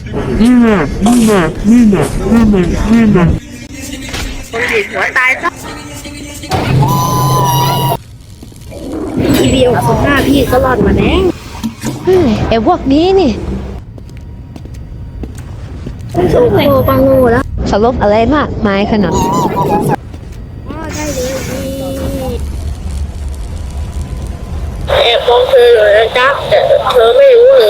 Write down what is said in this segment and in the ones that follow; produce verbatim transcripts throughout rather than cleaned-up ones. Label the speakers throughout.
Speaker 1: นี่แน่นี่แน่นี่แน่นี่แน่นี่แน่
Speaker 2: คนดีหัวตายซะทีเดียวสองหน้าพี่ก็รอดมาแน่
Speaker 3: เฮ้ยไอ้พวกนี้นี่
Speaker 2: โอ้โหปังงูแล้ว
Speaker 3: สรุปอะไรมากมายขนาด
Speaker 2: อ๋อได้เลยนี่แอบมองเธอเลยนะจ๊ะแต่เธอไม่รู้เลย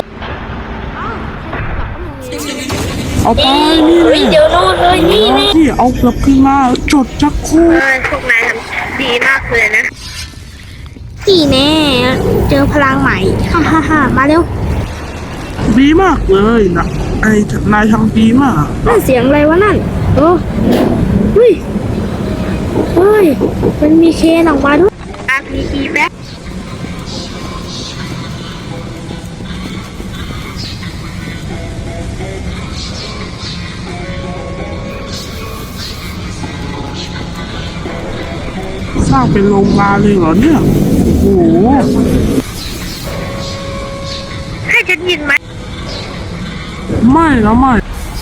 Speaker 1: เอาไปนี่เลย
Speaker 2: เดี๋ยวโน่นเลยนี่นี่
Speaker 1: ที่เอากลับขึ้นมาจดจักคู่
Speaker 2: พวกนายทำดีมากเลยนะนี่แน่เจอพลังใหม่ฮ่าฮ่าฮ่ามาเร็ว
Speaker 1: ดีมากเลยนะไอ้นายทำดีมาก
Speaker 2: นั่นเสียงอะไรวะนั่นโอ้เฮ้ยเฮ้ยมันมีเคนออกมาด้วยอาพีอีแบ็ค
Speaker 1: สร้างเป็นโรงงานเลยเหรอเนี่ยโอ้โห
Speaker 2: ให้ฉันยินไหม
Speaker 1: ไม่นะไม่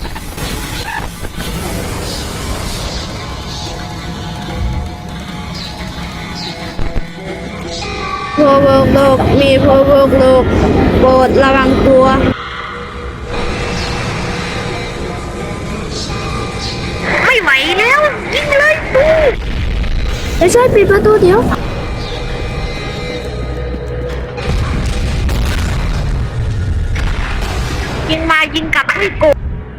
Speaker 2: พวกโลกมีพวกโลกโปรดระวังตัวไม่ไหวแล้วยิงเลยปูไปช่วยปิดประตูเดี๋ยวยิงมายิงกลับให้กู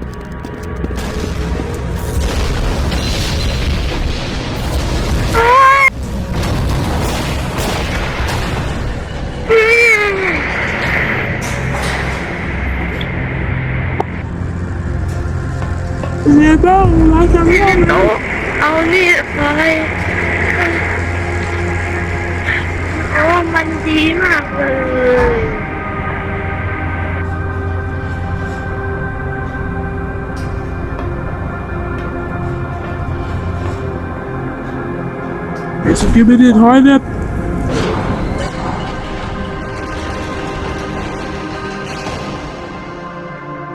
Speaker 1: เรียบ้างรักกันบ้าง
Speaker 2: เอาเอานี่ไปโอ้มันดีมากเลย
Speaker 1: ไอ้สกิปปี้ทอยเล็ต